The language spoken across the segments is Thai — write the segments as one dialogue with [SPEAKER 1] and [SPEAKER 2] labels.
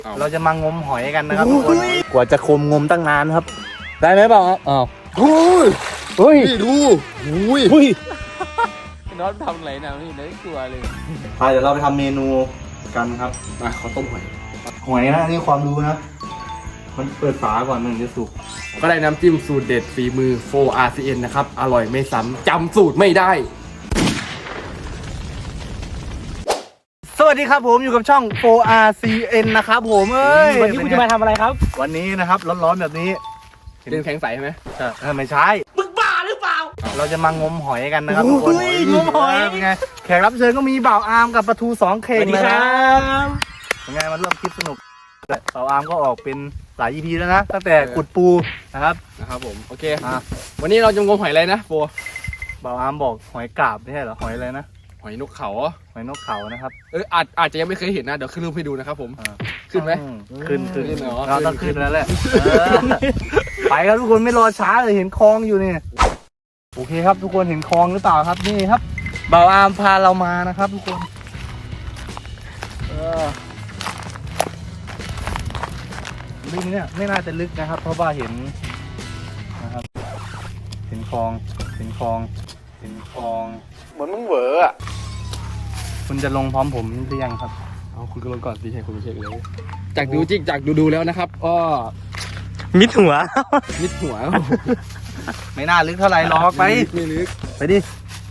[SPEAKER 1] เราจะมางมหอยกันนะครับทุกคนกว่าจะคมงมตั้งนานครับได้ไหมเปล่าอ้าวเฮ้ยนี่ดูอุ้ย
[SPEAKER 2] น้องทำอะไรนะนี่ได้กลัวเลย
[SPEAKER 1] ไปเดี๋ยวเราไปทำเมนูกันครับ
[SPEAKER 2] มาเขาต้มหอย
[SPEAKER 1] นะนี่ความรู้นะมันเปิดฝาก่อนมันจะสุก
[SPEAKER 2] ก็ได้น้ำจิ้มสูตรเด็ดฝีมือ 4RCN นะครับอร่อยไม่ซ้ำจำสูตรไม่ได้
[SPEAKER 1] สวัสดีครับผมอยู่กับช่อง 4RCN นะครับผม
[SPEAKER 2] วันนี้คุณจะมาทำอะไรครับ
[SPEAKER 1] วันนี้นะครับร้อนๆแบบนี้
[SPEAKER 2] เป็นแข็งใสใช่ไหม
[SPEAKER 1] ไม่ใช่มึงบ้าหรือเปล่าเราจะมางมหอยกันนะครับทุกคนงมหอยเป็นไงแขกรับเชิญก็มีบ่าวอาร์มกับปลาทู2 เข่งเลยนะเป็นไงมาร่วมคลิปสนุกบ่าวอาร์มก็ออกเป็นหลาย EP แล้วนะตั้งแต่ขุดปูนะครับ
[SPEAKER 2] ผมโอเควันนี้เราจะงมหอยอะไรนะโฟ
[SPEAKER 1] บ่าวอาร์มบอกหอยกาบไม่ใช่เหรอหอยอะไรนะ
[SPEAKER 2] หอยนกเขา
[SPEAKER 1] นะครับ
[SPEAKER 2] อาจจะยังไม่เคยเห็นนะเดี๋ยวขึ้นรูปให้ดูนะครับผมขึ้นไหม
[SPEAKER 1] ขึ้นเราต้องขึ้นแล้วแหละไปครับทุกคนไม่รอช้าเลยเห็นคลองอยู่นี่โอเคครับทุกคนเห็นคลองหรือเปล่าครับนี่ครับบ่าวอาร์มพาเรามานะครับทุกคนลึกเนี่ยไม่น่าจะลึกนะครับเพราะว่าเห็นนะครับเห็นคลองเหมือนมึงเหวออะคุณจะลงพร้อมผมหรือยังครับ
[SPEAKER 2] เอาคุณก็ลงก่อนสิให้คุณไปเช็คเลยจากดูแล้วนะครับก็
[SPEAKER 1] มิดหัว ไม่น่าลึกเท่าไหร่หรอกไป
[SPEAKER 2] ไม่ลึก
[SPEAKER 1] ไปดิ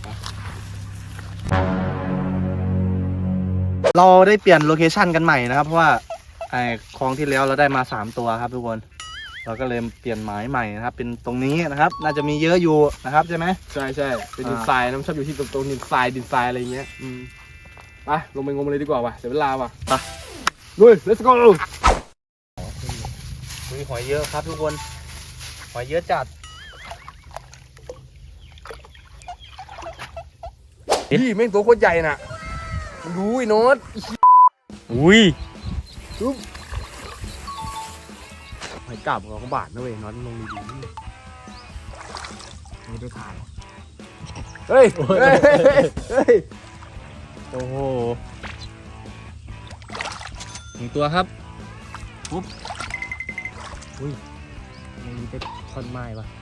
[SPEAKER 1] เราได้เปลี่ยนโลเคชั่นกันใหม่นะครับเพราะว่าไอ้คลองที่แล้วเราได้มา3 ตัวครับทุกคนเราก็เลยเปลี่ยนหมายใหม่นะครับเป็นตรงนี้นะครับน่าจะมีเยอะอยู่นะครับใช่ไหม
[SPEAKER 2] ใช่เป็นดินทรายน้ำชอบอยู่ที่ตรงดินทรายอะไรเงี้ยไปลงไปงมเลยดีกว่าว่ะเสียเวลาว่ะ
[SPEAKER 1] ไป
[SPEAKER 2] ลุย let's go
[SPEAKER 1] มีหอยเยอะครับทุกคนหอยเยอะจัด
[SPEAKER 2] พี่แม่งตัวโคตรใหญ่น่ะดูไอ้โน้ต
[SPEAKER 1] อุ้ย
[SPEAKER 2] หอยกาบเขาก็บาดนะเว้ยน็อตลงดีๆนี่ด้วยถ่ายเฮ้ย
[SPEAKER 1] โอ้โห1 ตัวครับปุ๊บอุ้ยมันมีเป็นท่อนไม้ปะ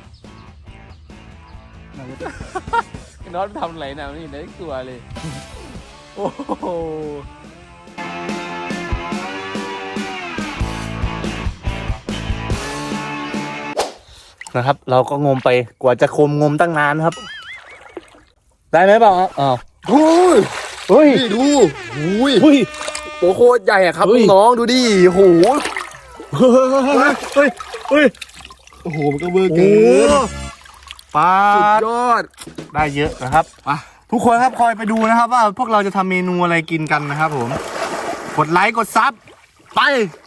[SPEAKER 2] น็อตทำอะไรนะนี่ได้กลัวเลยโอ้โห
[SPEAKER 1] นะครับเราก็งมไปกว่าจะงมตั้งนานครับได้ไหมเปล่าอ้าว
[SPEAKER 2] เฮ้ยดูตัวโคตรใหญ่อะครับน้องดูดิโห
[SPEAKER 1] โอ้โหมันก็เบอร์เกินปลา
[SPEAKER 2] สุดยอด
[SPEAKER 1] ได้เยอะนะครับทุกคนครับคอยไปดูนะครับว่าพวกเราจะทำเมนูอะไรกินกันนะครับผมกดไลค์กดซับไป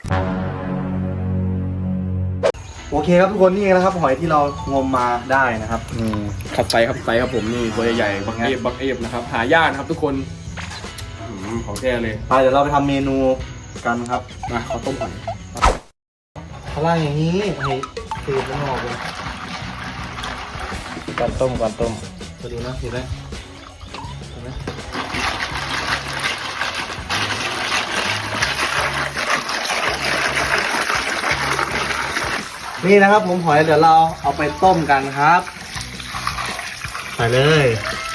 [SPEAKER 1] โอเคครับทุกคนนี่นะครับหอยที่เรางมมาได้นะครับ
[SPEAKER 2] ขับไซครับผมนี่ตัวใหญ่ๆบักเอฟนะครับหายากนะครับทุกคนของแท้เลย
[SPEAKER 1] ไปเดี๋ยวเราไปทำเมนูกันครับ
[SPEAKER 2] มาเขาต้มหอย
[SPEAKER 1] ข้างล่างอย่างนี้ให้เทมันออกเลยก่อนต้มมาดูนะเห็นไหมนี่นะครับผมหอยเดี๋ยวเราเอาไปต้มกันครับใส่เลย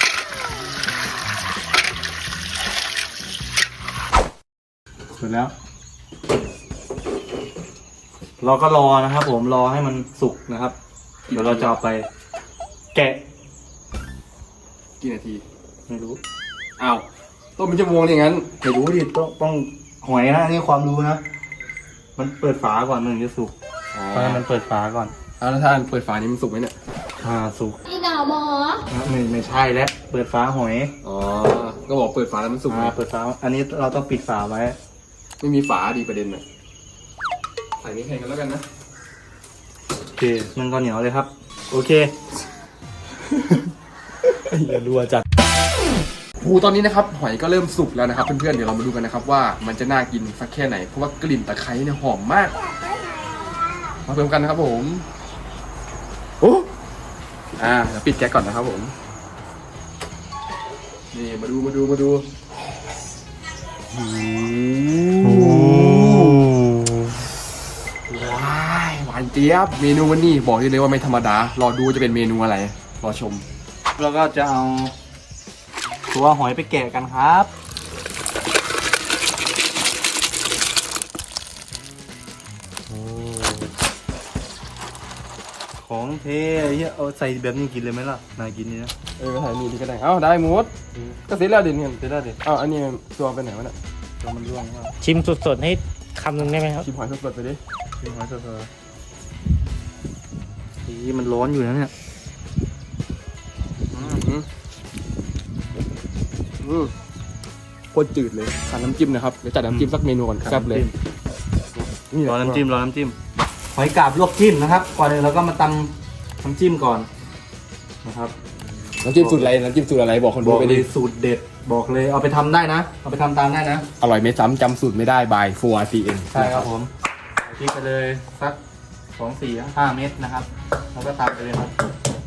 [SPEAKER 1] เสร็จแล้วเราก็รอนะครับผมรอให้มันสุกนะครับเดี๋ยวเราจะเอาไปแกะ
[SPEAKER 2] กี่นาที
[SPEAKER 1] ไม่รู้
[SPEAKER 2] อ้าวต้มเป็นชั่วโมงอย่างนั้น
[SPEAKER 1] ไม่รู้ดิต้องหอยนะนี่ความรู้นะมันเปิดฝาก่อนมันจะสุกเพราะมันเปิดฝาก่อน
[SPEAKER 2] แล้วถ้าเปิดฝานี้มันสุกไหมเนี่ย
[SPEAKER 1] สุก
[SPEAKER 3] พี่ดาวหมอ
[SPEAKER 1] ไม่ใช่แล้วเปิดฝาหอย
[SPEAKER 2] ก็บอกเปิดฝาแล้วมันสุก
[SPEAKER 1] เปิดฝาอันนี้เราต้องปิดฝาไว้
[SPEAKER 2] ไม่มีฝาดีประเด็นน่ะใส่นี้แข่งกันแล้วกันนะ
[SPEAKER 1] โอเคมันก็เหนียวเลยครับโอเคอย่ารัวจัด
[SPEAKER 2] ตอนนี้นะครับหอยก็เริ่มสุกแล้วนะครับเพื่อนๆเดี๋ยวเรามาดูกันนะครับว่ามันจะน่ากินสักแค่ไหนเพราะว่ากลิ่นตะไคร้เนี่ยหอมมากมาเพิ่มกันนะครับผมเดี๋ยวปิดแก๊สก่อนนะครับผมนี่มาดูเจี๊ยบเมนูวันนี้บอกได้เลยว่าไม่ธรรมดารอดูจะเป็นเมนูอะไรรอชม
[SPEAKER 1] แล้วก็จะเอาตัวหอยไปแกะกันครับของเทเฮียเอาใส่แบบนี้กินเลยไหมล่ะนายกินนี่นะ
[SPEAKER 2] ไปถ่ายนี่ดีก็ได้เอ้าได้หมดก็เสร็จแล้วเดี๋ยวนี้
[SPEAKER 1] จะได้เด็ด
[SPEAKER 2] เอ้าอันนี้ตัวไปไหนวะเนี่ย
[SPEAKER 1] ตัวมันร่วงมาก
[SPEAKER 3] ชิมสดๆให้คำหนึ่งได้ไหมครับ
[SPEAKER 2] ชิมหอยสดๆไปดิ
[SPEAKER 1] กินหอยเถอะนี่มันร้อนอยู่นะเนี่ย
[SPEAKER 2] โคตรจืดเลยขาดน้ำจิ้มนะครับเดี๋ยวจัดน้ำจิ้มสักเมนูก่อนแซ่บเลย
[SPEAKER 1] รอน้ำจิ้มหอยกาบลวกจิ้มนะครับก่อนอื่นเราก็มาตำน้ำจิ้มก่อนนะครับ
[SPEAKER 2] น้ำจิ้มสูตรอะไรน้ำจิ้มสูตรอะไรบอกคน
[SPEAKER 1] บ
[SPEAKER 2] ดู
[SPEAKER 1] อก
[SPEAKER 2] ไป
[SPEAKER 1] เล
[SPEAKER 2] ดิ
[SPEAKER 1] ยสูตรเด็ดบอกเลยเอาไปทำได้นะเอาไปทำตามได้นะ
[SPEAKER 2] อร่อยไม่ซ้ำจำสูตรไม่ได้บาย4RCN
[SPEAKER 1] ใช่ครับผมพริกไปเลยสัก2 4 5 เม็ดนะครับแล้วก็ตามไปเลยครับ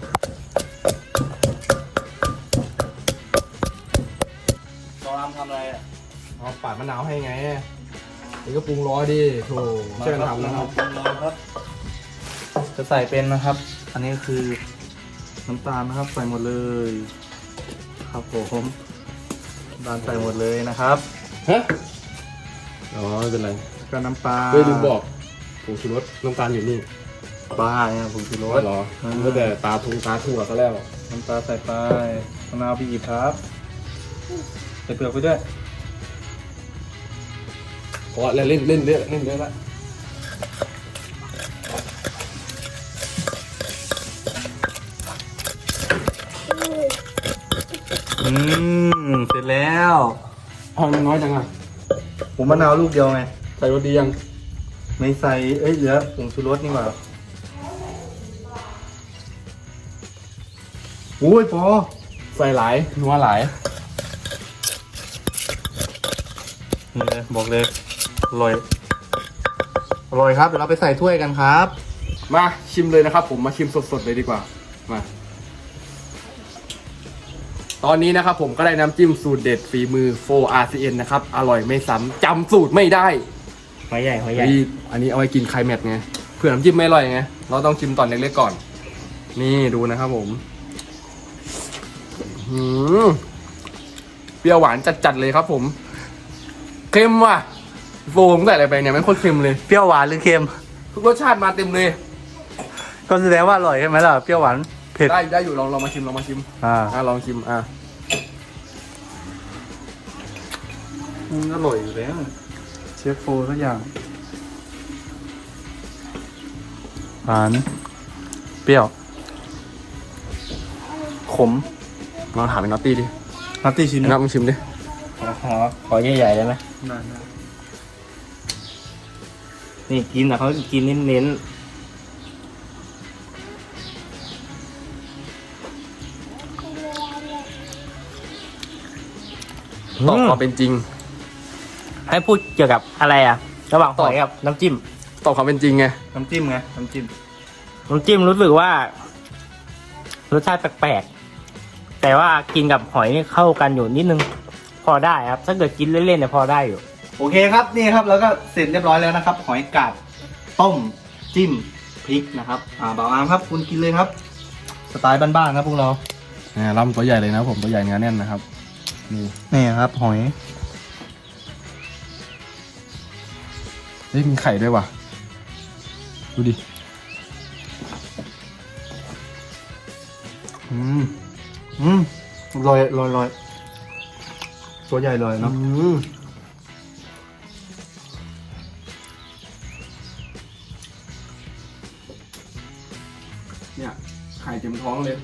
[SPEAKER 1] ตอนทำอะไรอ่ะ
[SPEAKER 2] เอาปาดมะนาวให้ไงนี่ก็ปรุงรอดิโถช่วยกันทำนะครับ
[SPEAKER 1] ครับจะใส่เป็นนะครับ อันนี้คือน้ำตาลนะครับใส่หมดเลยครับผมน้ำตาลใส่หมดเลยนะครับ
[SPEAKER 2] ฮะอ๋อไม่เป็นไร
[SPEAKER 1] ก็น้ำปลา
[SPEAKER 2] เฮ้ยลืมบอกผงชูรสน้ำตาลอยู่นี่
[SPEAKER 1] ปลาเนี่ยผงชูรส
[SPEAKER 2] เหรอตั้งแต่ตาทุ่งตาถั่วซะแล้ว
[SPEAKER 1] น้ำตาลใส่ไปมะนาวบีบครับใส่เปลือกไปด้วย
[SPEAKER 2] เพราะเล่นเยอะละ
[SPEAKER 1] เสร็จแล้ว
[SPEAKER 2] เอามันน้อยจังอ่ะ
[SPEAKER 1] ผมมะนาวลูกเดียวไง
[SPEAKER 2] ใส่รสดียัง
[SPEAKER 1] ไม่ใส่เหลือผงชูรสนี่หว่าโอ้ยพอ
[SPEAKER 2] ใส่หลายนัวหลาย
[SPEAKER 1] นี่เลยบอกเลยอร่อยอร่อยครับเดี๋ยวเราไปใส่ถ้วยกันครับ
[SPEAKER 2] มาชิมเลยนะครับผมมาชิมสดๆเลยดีกว่ามาตอนนี้นะครับผมก็ได้น้ำจิ้มสูตรเด็ดฝีมือ 4RCN นะครับอร่อยไม่ซ้ำจำสูตรไม่ได้
[SPEAKER 3] หอยใหญ่หอยใหญ่
[SPEAKER 2] อันนี้เอาไว้กินไคลแม็กซ์ไงเผื่อน้ำจิ้มไม่อร่อยไงเราต้องชิมตอนเล็กๆก่อน นี่ดูนะครับผมเปรี้ยวหวานจัดๆเลยครับผมเค็มว่ะโฟมใส่อะไรไปเนี่ยไม่โคตรเค็มเลย
[SPEAKER 1] เปรี้ยวหวานหรือเค็ม
[SPEAKER 2] ทุกรสชาติมาเต็มเลย
[SPEAKER 1] ก็แสดงว่าอร่อยใช่ไหมล่ะเปรี้ยวหวานเผ็ด
[SPEAKER 2] ได้อยู่ลองมาชิมลองมาชิม ลองชิม
[SPEAKER 1] อร่อยอยู่แล้วเชฟโฟทุกอย่างหวานเปรี้ยวขม
[SPEAKER 2] ลองถามไอ้น็อตตี้ดิ
[SPEAKER 1] นัตตี้ชิม
[SPEAKER 2] น็อตมึงชิมดิ
[SPEAKER 3] หอยใหญ่ๆได้ไหม
[SPEAKER 1] ได้
[SPEAKER 3] นี่กินแต่เขากินเน้น
[SPEAKER 2] ตอบความเป็นจริง
[SPEAKER 3] ให้พูดเกี่ยวกับอะไรอ่ะ ระหว่างหอยกับน้ำจิ้ม
[SPEAKER 2] ตอบความเป็นจริงไง
[SPEAKER 1] น้ำจิ้มไงน้ำจิ้ม
[SPEAKER 3] น้ำจิ้มรู้สึกว่ารสชาติแปลกๆแต่ว่ากินกับหอยนี่เข้ากันอยู่นิดนึง พอได้ครับ ถ้าเกิดกินเล่นๆเนี่ยพอได้อยู่
[SPEAKER 1] โอเคครับนี่ครับแล้วก็เสร็จเรียบร้อยแล้วนะครับ หอยกาบต้มจิ้มพริกนะครับบ่าวอามครับคุณกินเลยครับ สไตล์บ้านๆครับพวกเรา
[SPEAKER 2] ลำตัวใหญ่เลยนะผมตัวใหญ่เนื้อแน่นนะครับนี่
[SPEAKER 1] ครับ หอย
[SPEAKER 2] เฮ้ยมีไข่ด้วยว่ะดูดิ
[SPEAKER 1] ลอยตัวใหญ่เลยเนาะ
[SPEAKER 2] เนี่ยไข่เต็มท้องเลย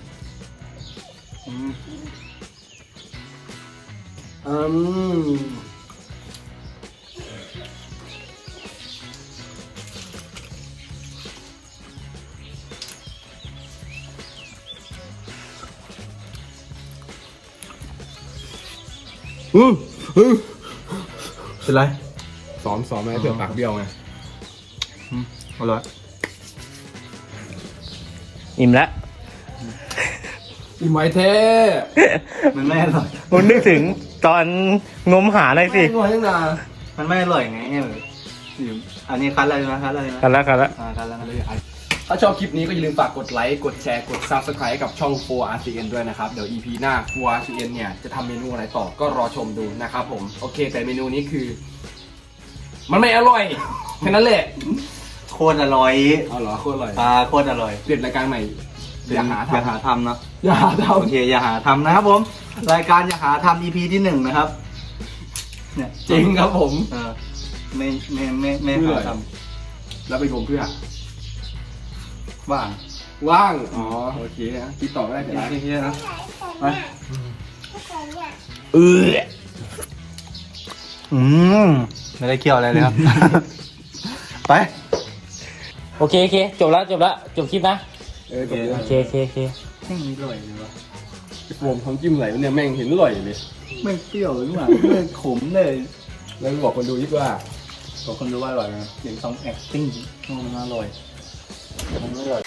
[SPEAKER 1] เป็นไร
[SPEAKER 2] ซ้อมไหมเผื่อปากเบี้ยวไง
[SPEAKER 1] อร่อย
[SPEAKER 3] อิ่มแล้ว
[SPEAKER 2] อิ่มไว้แท้
[SPEAKER 1] มันไม่อร่อย
[SPEAKER 3] ผมนึกถึงตอนงมหาหน่อยสิ
[SPEAKER 2] ไม่งอยยังนา
[SPEAKER 1] มันไม่อร่อยไงอันนี้คัดอะไรนะคัดอะไรนะ
[SPEAKER 3] กันแล้ว
[SPEAKER 1] คัดแล้ว
[SPEAKER 2] ถ้าชอบคลิปนี้ก็อย่าลืมฝากกดไลค์กดแชร์กด Subscribe ให้กับช่อง 4RCN ด้วยนะครับเดี๋ยว EP หน้า 4RCN เนี่ยจะทำเมนูอะไรต่อก็รอชมดูนะครับผมโอเคแต่เมนูนี้คือ มันไม่อร่อยแค่นั้นแหละ
[SPEAKER 1] โคตรอร่อย
[SPEAKER 2] เอาเหรอโคตรอร่อย
[SPEAKER 1] โคตรอร่อย
[SPEAKER 2] เปลี่ยนรายการใหม่อย่าหา
[SPEAKER 1] อย่า
[SPEAKER 2] ทำ
[SPEAKER 1] หาทำเนาะ
[SPEAKER 2] อย่าหาท
[SPEAKER 1] โอเคอย่าหาทำนะครับผมรายการอย่าหาทำ EP ที่ 1นะครับเนี่ย
[SPEAKER 2] ำจริงครับผม
[SPEAKER 1] ไม่หาท
[SPEAKER 2] แล้วไปงมเพื่อ
[SPEAKER 1] ำว่าง
[SPEAKER 2] ว่างอ๋อโอเคนะคิดต่อไม่ได้เดี๋ยวนะ
[SPEAKER 1] ที่นะไปไม่ได้เกี่ยวอะไรเลยครับ ไป
[SPEAKER 3] โอเคโอเคจบแล้วจบคลิปนะ
[SPEAKER 2] จบเลย
[SPEAKER 3] โอเคโอเคโอเค
[SPEAKER 1] ไม่มีอร่อยเลยวะ
[SPEAKER 2] โฟมทำจิ้มไหลเนี่ยแม่งเห็นอร่อยเลย
[SPEAKER 1] ไม่เปรี้ยวหรือเปล่าไม่ขมเลย
[SPEAKER 2] แล้วบอกคนดูยิ่ว่า
[SPEAKER 1] บอกคนดูว่าอร่อยนะเสียงซอง acting มันอร่อยมันอร่อย